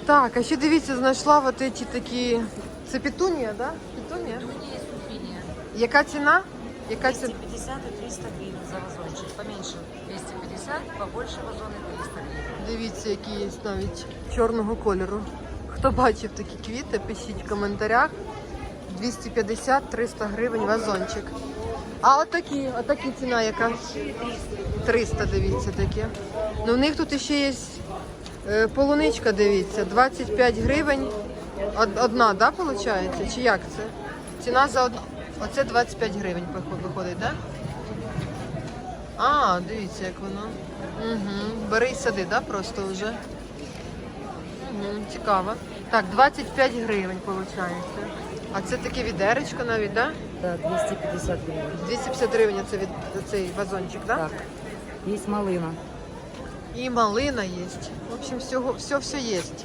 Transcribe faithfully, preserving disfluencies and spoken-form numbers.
Так, а ще дивіться, знайшла вот эти такі. Це петунія, да? Петунія? Петуния и сульфиния. Яка ціна? Яка ціна? двести пятьдесят и триста гривен за вазончик. Поменьше двести пятьдесят, побольше вазоны триста гривен. Дивіться, які є навіть чорного кольору. Хто бачив такі квіти, пишіть в коментарях. двісті п'ятдесят - триста гривень вазончик. А отакі, отакі ціна яка? триста, дивіться, такі. Ну в них тут ще є е, полуничка, дивіться, двадцять п'ять гривень. Од- Одна, да, виходить? Чи як це? Ціна за одну. Оце двадцять п'ять гривень виход- виходить, да? А, дивіться, як воно. Угу. Бери і сади, да, просто вже. Угу, цікаво. Так, двадцять п'ять гривень виходить. А це таке відеречко навіть, да? Да, двести пятьдесят гривен. двісті п'ятдесят гривень це від цей вазончик, да? Так, есть малина. І малина є. В общем, всього, все, все є.